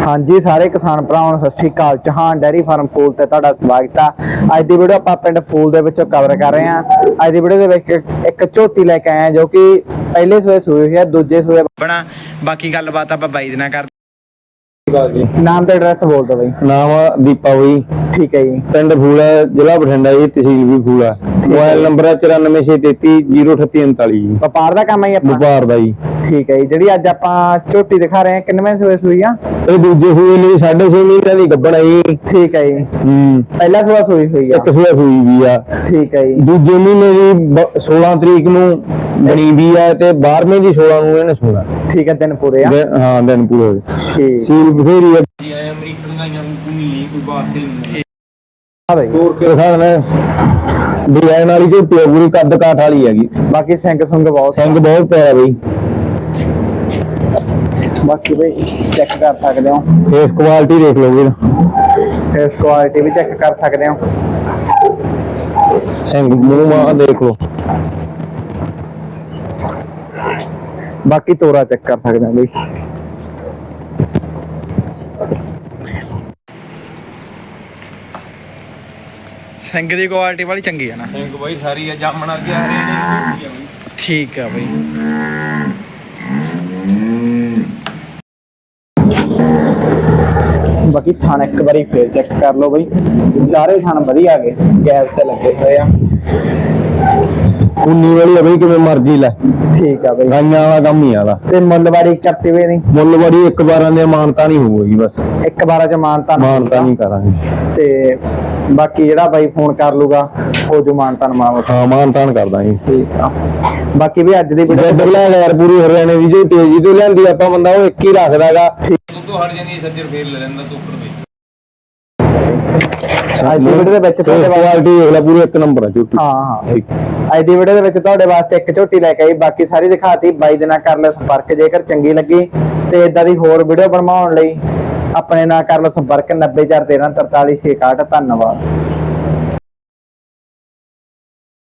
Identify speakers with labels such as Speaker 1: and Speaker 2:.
Speaker 1: हाँ जी सारे किसान भरावां नूं सत श्री अकाल। चौहान डेयरी फार्म फूल ते तुहाडा स्वागत है। अज दी वीडियो आपां पिंड फूल दे विचों कवर कर रहे हैं। अज दी वीडियो दे विच एक झोटी लैके आए हैं जो कि पहले सूए सूई हुई है, दूजे सूए बना। बाकी गलबात आपां बाई दे नाल कर। नाम ते एड्रैस बोल दो बई।
Speaker 2: नाम दीपा बई।
Speaker 1: ठीक है जी।
Speaker 2: पिंड फूल है, जिला बठिंडा जी, तहसील भी फूल है। मोबाइल नंबर है 9463303839 जी।
Speaker 1: व्यापार दा काम है जी अपना?
Speaker 2: व्यापार दा जी।
Speaker 1: ठीक है जी। जिहड़ी अज आपां झोटी दिखा रहे हैं किन्नवें सूए सूई आ?
Speaker 2: ਇਹ ਦੂਜੇ ਸੂਏ ਲਈ 6.5 ਮਹੀਨਿਆਂ ਦੀ ਗੱਭਣ ਆਈ।
Speaker 1: ठीक है जी। पहला सूआ सूई हुई है?
Speaker 2: ਇੱਕ ਸੂਆ ਸੂਈ ਵੀ ਆ।
Speaker 1: ठीक है जी।
Speaker 2: ਦੂਜੇ ਮਹੀਨੇ ਦੀ 16 ਤਰੀਕ ਨੂੰ ਬਣੀ ਵੀ ਆ ਤੇ 12ਵੇਂ ਦੀ 16 ਨੂੰ ਇਹਨੇ ਸੋਣਾ।
Speaker 1: ठीक है, दिन पूरे आ?
Speaker 2: ਹਾਂ ਦਿਨ ਪੂਰੇ ਹੋਏ।
Speaker 1: ठीक।
Speaker 2: ਸੀਲ ਬਥੇਰੀ ਆ
Speaker 3: ਜੀ ਅਮਰੀਕਨ ਗਾਈਆਂ ਨੂੰ ਕੋਈ ਕੋਈ ਬਾਤ ਨਹੀਂ।
Speaker 1: हाँ भाई।
Speaker 2: ਹੋਰ ਕੇ ਖਾਣਾ ਡਿਜ਼ਾਈਨ ਵਾਲੀ ਝੋਟੀ ਆ, ਪੂਰੀ ਕੱਦ ਕਾਠ ਵਾਲੀ ਹੈਗੀ।
Speaker 1: बाकी सिंग सुंग बहुत
Speaker 2: ਸਿੰਘ ਬਹੁਤ ਪਿਆਰਾ ਬਈ।
Speaker 1: बाकी भाई चेक कर सकते हो,
Speaker 2: ਫੇਸ ਕੁਆਲਿਟੀ ਦੇਖ ਲਓ ਵੀਰ।
Speaker 1: फेस क्वालिटी भी चेक कर सकते हो।
Speaker 2: ਸਿੰਘ ਮੂੰਹ ਮਾਂ ਦੇਖ ਲਓ।
Speaker 1: बाकी तोरा चेक कर सकते हो भाई। ਸਿੰਘ ਦੀ ਕੁਆਲਿਟੀ ਵਾਲੀ ਚੰਗੀ ਹੈ ਨਾ?
Speaker 3: ਸਿੰਘ ਬਾਈ ਸਾਰੀ ਆ ਜਾਮਣ ਅੱਗੇ ਆ ਰਹੇ ਨੇ।
Speaker 1: ਠੀਕ ਹੈ ਬਾਈ। ਬਾਕੀ ਥਣ ਇੱਕ ਵਾਰੀ ਫੇਰ ਚੈੱਕ ਕਰ ਲਓ ਬਈ। ਸਾਰੇ ਥਣ ਵਧੀਆ ਗਏ, ਗੈਪ ਤੇ ਲੱਗੇ ਹੋਏ ਆ।
Speaker 2: ਉਨੀ ਵਾਲੀ ਆ ਬਈ, ਕਿਵੇਂ ਮਰਜ਼ੀ ਲੈ।
Speaker 1: ਠੀਕ ਆ ਬਈ।
Speaker 2: ਗਾਈਆਂ ਵਾਲਾ ਕੰਮ ਹੀ ਆਦਾ।
Speaker 1: ਤੇ ਮੁੱਲਵਾੜੀ ਕਰਤੀ ਵੇ ਦੀ?
Speaker 2: ਮੁੱਲ ਬੜੀ ਇੱਕ ਵਾਰਾਂ ਦੇ ਮਾਨਤਾ ਨਹੀਂ ਹੋਊਗੀ, ਬਸ
Speaker 1: ਇੱਕ ਵਾਰਾਂ ਚ ਮਾਨਤਾ
Speaker 2: ਨਹੀਂ ਕਰਾਂਗੇ।
Speaker 1: ਤੇ ਬਾਕੀ ਜਿਹੜਾ ਬਾਈ ਫੋਨ ਕਰ ਲੂਗਾ ਉਹ ਜੋ ਮਾਨਤਾ ਮਾਵਤ।
Speaker 2: ਹਾਂ ਮਾਨਤਾਨ ਕਰਦਾ ਜੀ।
Speaker 1: ਠੀਕ ਆ। ਬਾਕੀ ਵੀ ਅੱਜ ਦੀ ਵੀਡੀਓ
Speaker 2: ਬਗਲਾ ਯਾਰ ਪੂਰੀ ਹਰਿਆਣੇ ਦੀ ਜੋ ਤੇਜ਼ੀ ਤੋਂ ਲਿਆਂਦੀ ਆਪਾਂ, ਬੰਦਾ ਉਹ ਇੱਕ ਹੀ ਰੱਖਦਾਗਾ।
Speaker 3: ਤੂੰ ਹਟ ਜਾਂਦੀ ਸੱਜਰ ਫੇਰ ਲੈ ਲੈਂਦਾ ਤੂੰ ਉੱਪਰ ਵਿੱਚ।
Speaker 1: ਅੱਜ ਦੀ ਵੀਡੀਓ ਦੇ ਵਿੱਚ ਤੁਹਾਡੇ
Speaker 2: ਕੁਆਲਿਟੀ ਦੇਖ ਲੈ, ਪੂਰੀ ਇੱਕ ਨੰਬਰ ਆ ਝੋਟੀ।
Speaker 1: ਹਾਂ ਅੱਜ ਦੀ ਵੀਡੀਓ ਦੇ ਵਿੱਚ ਤੁਹਾਡੇ ਵਾਸਤੇ ਇੱਕ ਝੋਟੀ ਲੈ ਕੇ ਆਈ। ਬਾਕੀ ਸਾਰੀ ਦਿਖਾਤੀ। ਬਾਈ ਦੇ ਨਾਲ ਕਰ ਲੈ ਸੰਪਰਕ ਜੇਕਰ ਚੰਗੀ ਲੱਗੀ ਤੇ ਇਦਾਂ ਦੀ ਹੋਰ ਵੀਡੀਓ ਬਣਵਾਉਣ ਲਈ ਆਪਣੇ ਨਾਲ ਕਰ ਲਓ ਸੰਪਰਕ 9041344661। ਧੰਨਵਾਦ।